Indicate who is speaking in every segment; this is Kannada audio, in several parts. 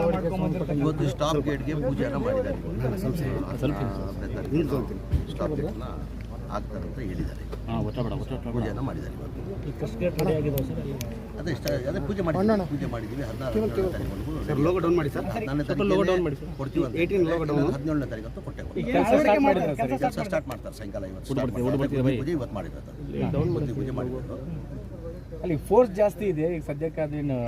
Speaker 1: ಇವತ್ತು ಸ್ಟಾಪ್ ಗೇಟ್ಗೆ ಪೂಜೆನ ಮಾಡಿದ್ದಾರೆ. ಸ್ಟಾಪ್ ಗೇಟ್ನ ಆಗ್ತಾರೆ ಅಂತ ಹೇಳಿದ್ದಾರೆ. ಪೂಜೆನ ಮಾಡಿದ್ದಾರೆ ಇವತ್ತು. ಅದೇ ಪೂಜೆ ಮಾಡಿದ್ದೀವಿ 16 ತಾರೀಕು
Speaker 2: ಲೋಗೋ ಡೌನ್ ಮಾಡಿ ಸರ್.
Speaker 1: 14 ಕೊಡ್ತೀವಿ ಅಂತ 17ನೇ ತಾರೀಕು ಕೊಟ್ಟೆ. ಕೆಲಸ ಸ್ಟಾರ್ಟ್ ಮಾಡ್ತಾರೆ ಸಾಯಂಕಾಲ. ಇವತ್ತು ಇವತ್ತು ಮಾಡಿದ್ದಾರೆ. ಪೂಜೆ ಮಾಡಿದ್ರು.
Speaker 3: ಅಲ್ಲಿ ಫೋರ್ಸ್ ಜಾಸ್ತಿ ಇದೆ ಈಗ ಸದ್ಯಕ್ಕೆ.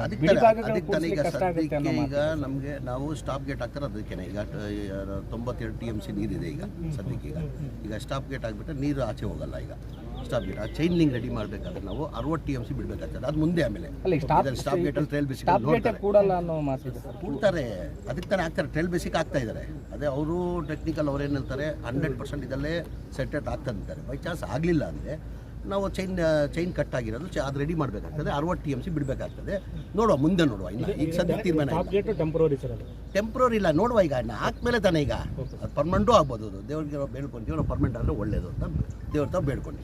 Speaker 1: ಈಗ ನಮಗೆ ನಾವು ಸ್ಟಾಪ್ ಗೇಟ್ ಹಾಕ್ತಾರೆ. ಅದಕ್ಕೇನೆ ಈಗ 92 TMC ನೀರಿದೆ ಈಗ ಸದ್ಯಕ್ಕೆ. ಈಗ ಸ್ಟಾಪ್ ಗೇಟ್ ಆಗಿಬಿಟ್ರೆ ನೀರು ಆಚೆ ಹೋಗಲ್ಲ. ಈಗ ಸ್ಟಾಪ್ ಗೇಟ್ ಆ ಚೈನ್ ಲಿಂಕ್ ರೆಡಿ ಮಾಡಬೇಕಾದ್ರೆ ನಾವು 60 TMC ಬಿಡಬೇಕಾಗ್ತದೆ. ಅದು ಮುಂದೆ ಆಮೇಲೆ ಸ್ಟಾಪ್ ಗೇಟ್ ಅಲ್ಲಿ ಟ್ರೈಲ್ ಬೇಸಿಕ್ ಕೂಡ್ತಾರೆ. ಅದಕ್ಕೆ ತಾನೇ ಆಗ್ತಾರೆ. ಟ್ರೈಲ್ ಬೇಸಿಕ್ ಆಗ್ತಾ ಇದ್ದಾರೆ. ಅದೇ ಅವರು ಟೆಕ್ನಿಕಲ್ ಅವ್ರು ಏನು ಹೇಳ್ತಾರೆ 100% ಇದಲ್ಲೇ ಸೆಟೆಟ್ ಆಗ್ತಂತಾರೆ. ಬೈ ಚಾನ್ಸ್ ಆಗಲಿಲ್ಲ ಅಂದರೆ ನಾವು ಚೈನ್ ಕಟ್ ಆಗಿರೋದು ಅದು ರೆಡಿ ಮಾಡಬೇಕಾಗ್ತದೆ. 60 TMC ಬಿಡಬೇಕಾಗ್ತದೆ. ನೋಡುವ ಮುಂದೆ ನೋಡುವ. ಇನ್ನು ಈಗ ಸದ್ಯ ತೀರ್ಮಾನ ಟೆಂಪ್ರರಿ ಇಲ್ಲ. ನೋಡುವ ಈಗ ಹಾಕ್ಮೇಲೆ ತಾನೇ. ಈಗ ಅದು ಪರ್ಮನೆಂಟು ಆಗ್ಬೋದು. ದೇವ್ರಿಗೆ ನಾವು ಬೇಡ್ಕೊಂತೀವಿ. ನಾವು ಪರ್ಮನೆಂಟ್ ಆದರೆ ಒಳ್ಳೇದು ಅಂತ ದೇವ್ರ ತಾವು ಬೇಡ್ಕೊಂತೀವಿ.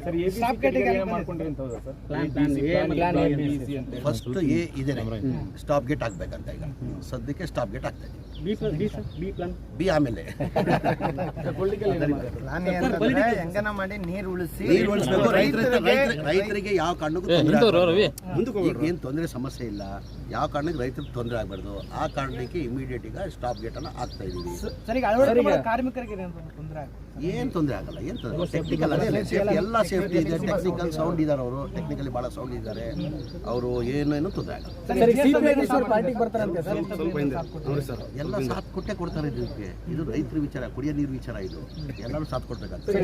Speaker 1: ಫಸ್ಟ್ ಇದೆ ಸ್ಟಾಪ್ ಗೇಟ್ ಆಗ್ಬೇಕಂತ. ಈಗ ಸದ್ಯಕ್ಕೆ ಸ್ಟಾಪ್ ಗೇಟ್ ಆಗ್ತಾ ಇದೆ. ಬಿ ಆಮೇಲೆ
Speaker 2: ನೀರು
Speaker 1: ಉಳಿಸಬೇಕು. ರೈತರಿಗೆ ಯಾವ ಕಾರಣಕ್ಕೂ ಏನು ತೊಂದರೆ ಸಮಸ್ಯೆ ಇಲ್ಲ. ಯಾವ ಕಾರಣಕ್ಕೆ ರೈತರಿಗೆ ತೊಂದರೆ ಆಗಬಾರ್ದು. ಆ ಕಾರಣಕ್ಕೆ ಇಮಿಡಿಯೇಟ್ ಈಗ ಸ್ಟಾಪ್ ಗೇಟ್ ಅನ್ನು ಹಾಕ್ತಾ ಇದೀವಿ. ಏನು ತೊಂದರೆ ಆಗಲ್ಲ. ಏನು ತೊಂದರೆ ಟೆಕ್ನಿಕಲ್ ಅದೇ ಎಲ್ಲ ಸೇಫ್ಟಿ ಇದೆ. ಟೆಕ್ನಿಕಲ್ ಸೌಂಡ್ ಇದ್ದಾರೆ. ಅವರು ಟೆಕ್ನಿಕಲಿ ಭಾಳ ಸೌಂಡ್ ಇದ್ದಾರೆ. ಅವರು ಏನೇನು ತೊಂದರೆ ಆಗಲ್ಲ. ಎಲ್ಲ ಸಾಥ್ ಕೊಟ್ಟೆ ಕೊಡ್ತಾರೆ. ಇದಕ್ಕೆ ಇದು ರೈತರ ವಿಚಾರ, ಕುಡಿಯೋ ನೀರು ವಿಚಾರ. ಇದು ಎಲ್ಲರೂ ಸಾಥ್ ಕೊಡ್ಬೇಕಾಗ್ತದೆ.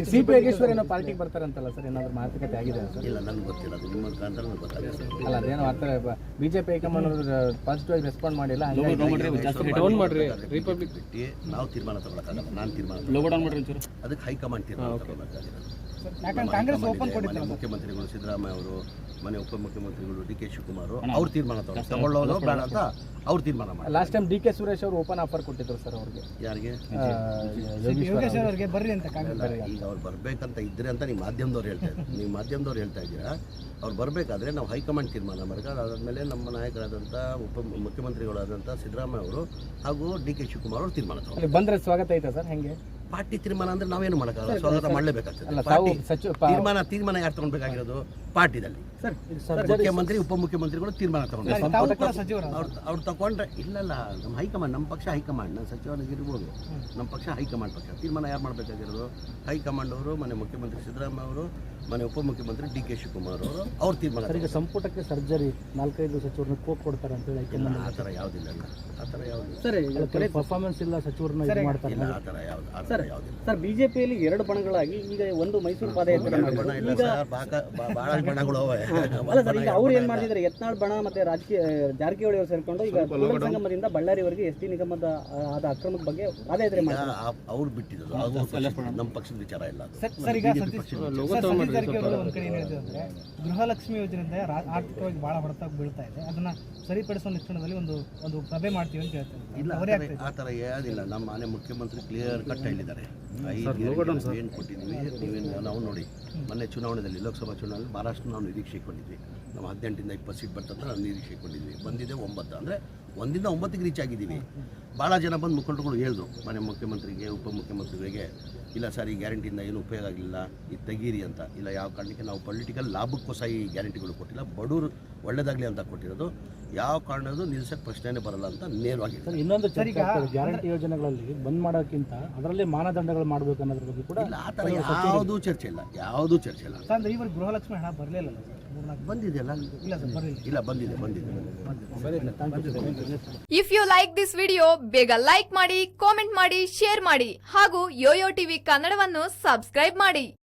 Speaker 1: ಇಲ್ಲ ನನಗೆ ಗೊತ್ತಿಲ್ಲ. ಅದು ನಿಮ್ಮ ಮುಖಾಂತರ ನನಗೆ ಗೊತ್ತಾಗಿದೆ ಸರ್.
Speaker 3: ಅಲ್ಲ ಅದೇನೋ ಬಿಜೆಪಿ ಹೈಕಮಾಂಡ್ ಪಾಸಿಟಿವ್ ರೆಸ್ಪಾಂಡ್ ಮಾಡಿಲ್ಲ.
Speaker 1: ರಿಪಬ್ಲಿಕ್ ಬಿಟ್ಟು ನಾವು ತೀರ್ಮಾನ ತಗೊಳಕ್ಕಾಗಲ್ಲ. ನಾನು ತೀರ್ಮಾನ ಅದಕ್ಕೆ ಹೈಕಮಾಂಡ್ ತೀರ್ಮಾನ ತಗೊಳಕ್ಕಾಗಿಲ್ಲ. ಮುಖ್ಯಮಂತ್ರಿಗಳು ಸಿದ್ದರಾಮಯ್ಯ ಅವರು, ಮನೆ ಉಪಮುಖ್ಯಮಂತ್ರಿಗಳು DK ಶಿವಕುಮಾರ್ ಅವ್ರು ತೀರ್ಮಾನ ತಗೊಳ್ಳೋದು ಬೇಡ ಅಂತ ಅವ್ರು ತೀರ್ಮಾನ ಮಾಡಿ.
Speaker 3: ಲಾಸ್ಟ್ ಟೈಮ್ DK ಸುರೇಶ್ ಅವರು ಓಪನ್ ಆಫರ್ ಕೊಟ್ಟಿದ್ರು ಸರ್ ಅವ್ರಿಗೆ.
Speaker 1: ಯಾರಿಗೆ?
Speaker 3: ಬರ್ರಿ ಅಂತ.
Speaker 1: ಈಗ ಅವ್ರು ಬರ್ಬೇಕಂತ ಇದ್ರೆ ಅಂತ ನೀವು ಮಾಧ್ಯಮದವ್ರು ಹೇಳ್ತಾ ಇದ್ದೀರಾ. ಅವ್ರು ಬರಬೇಕಾದ್ರೆ ನಾವು ಹೈಕಮಾಂಡ್ ತೀರ್ಮಾನ ಮಾಡಬೇಕು. ಅದಾದಮೇಲೆ ನಮ್ಮ ನಾಯಕರಾದಂಥ ಮುಖ್ಯಮಂತ್ರಿಗಳಾದಂಥ ಸಿದ್ದರಾಮಯ್ಯ ಅವರು ಹಾಗೂ DK ಶಿವಕುಮಾರ್ ಅವರು ತೀರ್ಮಾನ ತಗೊಂಡು
Speaker 3: ಬಂದರೆ ಸ್ವಾಗತ ಐತೆ ಸರ್. ಹೆಂಗೆ
Speaker 1: ಪಾರ್ಟಿ ತೀರ್ಮಾನ ಅಂದ್ರೆ ನಾವೇನು ಮಾಡೋಕ್ಕಾಗಲ್ಲ. ಸ್ವಾಗತ ಮಾಡಲೇಬೇಕಾಗ್ತದೆ. ತೀರ್ಮಾನ ಯಾರು ತಗೊಳ್ಬೇಕಾಗಿರೋದು? ಪಾರ್ಟಿದಲ್ಲಿ ಮುಖ್ಯಮಂತ್ರಿ ಉಪಮುಖ್ಯಮಂತ್ರಿಗಳು ತೀರ್ಮಾನ ತಗೊಂಡು ಅವ್ರು ತಗೊಂಡ್ರೆ ಇಲ್ಲಲ್ಲ. ನಮ್ಮ ಹೈಕಮಾಂಡ್, ನಮ್ಮ ಪಕ್ಷ ಹೈಕಮಾಂಡ್. ನಾನು ಸಚಿವರಾಗಿರ್ಬೋದು. ನಮ್ಮ ಪಕ್ಷ ಹೈಕಮಾಂಡ್ ಪಕ್ಷ. ತೀರ್ಮಾನ ಯಾರು ಮಾಡಬೇಕಾಗಿರೋದು? ಹೈಕಮಾಂಡ್ ಅವರು, ಮನೆ ಮುಖ್ಯಮಂತ್ರಿ ಸಿದ್ದರಾಮಯ್ಯ ಅವರು, ಮನೆ ಉಪಮುಖ್ಯಮಂತ್ರಿ DK ಶಿವಕುಮಾರ್ ಅವರು ಅವ್ರ ತೀರ್ಮಾನ.
Speaker 3: ಸಂಪುಟಕ್ಕೆ ಸರ್ಜರಿ 4-5 ಸಚಿವರನ್ನ ಕೋಕ್ ಕೊಡ್ತಾರೆ ಅಂತ ಹೇಳಿ
Speaker 1: ಆ ಥರ ಯಾವುದಿಲ್ಲ. ಆ ಥರ ಯಾವುದು
Speaker 3: ಸರ್ ಪರ್ಫಾರ್ಮೆನ್ಸ್ ಇಲ್ಲ ಸಚಿವರನ್ನ ಮಾಡ್ತಾರೆ.
Speaker 1: ಇಲ್ಲ ಆ ಥರ ಯಾವುದಿಲ್ಲ
Speaker 3: ಸರ್. ಬಿಜೆಪಿಯಲ್ಲಿ 2 ಬಣಗಳಾಗಿ ಈಗ ಒಂದು ಮೈಸೂರು ಪಾದಯಾತ್ರೆ
Speaker 1: ಬಹಳ ಬಣಗಳು
Speaker 3: ಅಲ್ಲ ಸರ್. ಈಗ ಅವ್ರು ಏನ್ ಮಾಡಿದ್ರೆ ಯತ್ನಾಳ್ ಬಣ ಮತ್ತೆ ರಾಜಕೀಯ ಜಾರಕಿಹೊಳಿ ಅವರು ಸೇರ್ಕೊಂಡು ಈಗ ಸಂಗಮದಿಂದ ಬಳ್ಳಾರಿವರೆಗೆ ST ನಿಗಮದ ಆದ ಅಕ್ರಮದ ಬಗ್ಗೆ ಪಾದಯಾತ್ರೆ ಮಾಡಿ
Speaker 1: ಅವ್ರು ಬಿಟ್ಟಿದ್ರು. ನಮ್ಮ ಪಕ್ಷದ ವಿಚಾರ ಇಲ್ಲ.
Speaker 4: ಒಂದ್ ಕಡೆ ಏನಿದೆ ಗೃಹಲಕ್ಷ್ಮಿ ಯೋಜನೆಯಿಂದ ಆರ್ಥಿಕವಾಗಿ ಬಹಳ ಹೊಡೆತ ಬೀಳ್ತಾ ಇದೆ. ಅದನ್ನ ಸರಿಪಡಿಸುವ ನಿಟ್ಟಿನಲ್ಲಿ ಒಂದು ಸಭೆ ಮಾಡ್ತೀವಿ ಅಂತ ಹೇಳ್ತಾರೆ.
Speaker 1: ಇಲ್ಲ ಆ ಥರ ಯಾವುದಿಲ್ಲ. ನಮ್ಮ ಮನೆ ಮುಖ್ಯಮಂತ್ರಿ ಕ್ಲಿಯರ್ ಕಟ್ ಹೇಳಿದ್ದಾರೆ. ಏನು ಕೊಟ್ಟಿದ್ವಿ ನೀವೇನು ನಾವು ನೋಡಿ. ಮೊನ್ನೆ ಚುನಾವಣೆಯಲ್ಲಿ ಲೋಕಸಭಾ ಚುನಾವಣೆಯಲ್ಲಿ ಮಹಾರಾಷ್ಟ್ರ ನಾವು ನಿರೀಕ್ಷೆ ಇಟ್ಕೊಂಡಿದ್ವಿ. ನಾವು 18ಇಂದ 20 ಸೀಟ್ ಬರ್ತಂತ ನಾವು ನಿರೀಕ್ಷೆ ಇಟ್ಕೊಂಡಿದ್ವಿ. ಬಂದಿದೆ 9. ಅಂದರೆ 1ರಿಂದ 9ಗೆ ರೀಚ್ ಆಗಿದ್ದೀವಿ. ಭಾಳ ಜನ ಬಂದು ಮುಖಂಡರುಗಳು ಹೇಳಿದ್ರು ಮನೆ ಮುಖ್ಯಮಂತ್ರಿಗೆ, ಉಪಮುಖ್ಯಮಂತ್ರಿಗೆ, ಇಲ್ಲ ಸರ್ ಈ ಗ್ಯಾರಂಟಿಯಿಂದ ಏನು ಉಪಯೋಗ ಆಗಲಿಲ್ಲ, ಇದು ತೆಗೀರಿ ಅಂತ. ಇಲ್ಲ ಯಾವ ಕಾರಣಕ್ಕೆ ನಾವು ಪೊಲಿಟಿಕಲ್ ಲಾಭಕ್ಕೋಸ್ಕರ ಈ ಗ್ಯಾರಂಟಿಗಳು ಕೊಟ್ಟಿಲ್ಲ, ಬಡವರು ಒಳ್ಳೇದಾಗಲಿ ಅಂತ ಕೊಟ್ಟಿರೋದು. ಯಾವ ಕಾರಣದ್ದು ನಿಲ್ಸಕ್ಕೆ ಪ್ರಶ್ನೆನೇ ಬರಲ್ಲ ಅಂತ ನೇರವಾಗಿ.
Speaker 3: ಇನ್ನೊಂದು ಗ್ಯಾರಂಟಿ ಯೋಜನೆಗಳಲ್ಲಿ ಬಂದ್ ಮಾಡೋಕ್ಕಿಂತ ಅದರಲ್ಲಿ ಮಾನದಂಡಗಳು ಮಾಡಬೇಕು ಅನ್ನೋದ್ರ ಬಗ್ಗೆ ಕೂಡ
Speaker 1: ಇಲ್ಲ. ಆ ಥರ ಯಾವುದೂ ಚರ್ಚೆ ಇಲ್ಲ.
Speaker 4: ಇವರು ಗೃಹಲಕ್ಷ್ಮಿ ಹಣ ಬರಲಿಲ್ಲ.
Speaker 1: ಬಂದಿದೆಯಲ್ಲ? ಇಲ್ಲ ಬಂದಿದೆ.
Speaker 5: If you like this video ಬೇಗ ಲೈಕ್ ಮಾಡಿ, ಕಾಮೆಂಟ್ ಮಾಡಿ, ಶೇರ್ ಮಾಡಿ ಹಾಗೂ ಯೋಯೋ ಟಿವಿ ಕನ್ನಡವನ್ನು ಸಬ್ಸ್ಕ್ರೈಬ್ ಮಾಡಿ.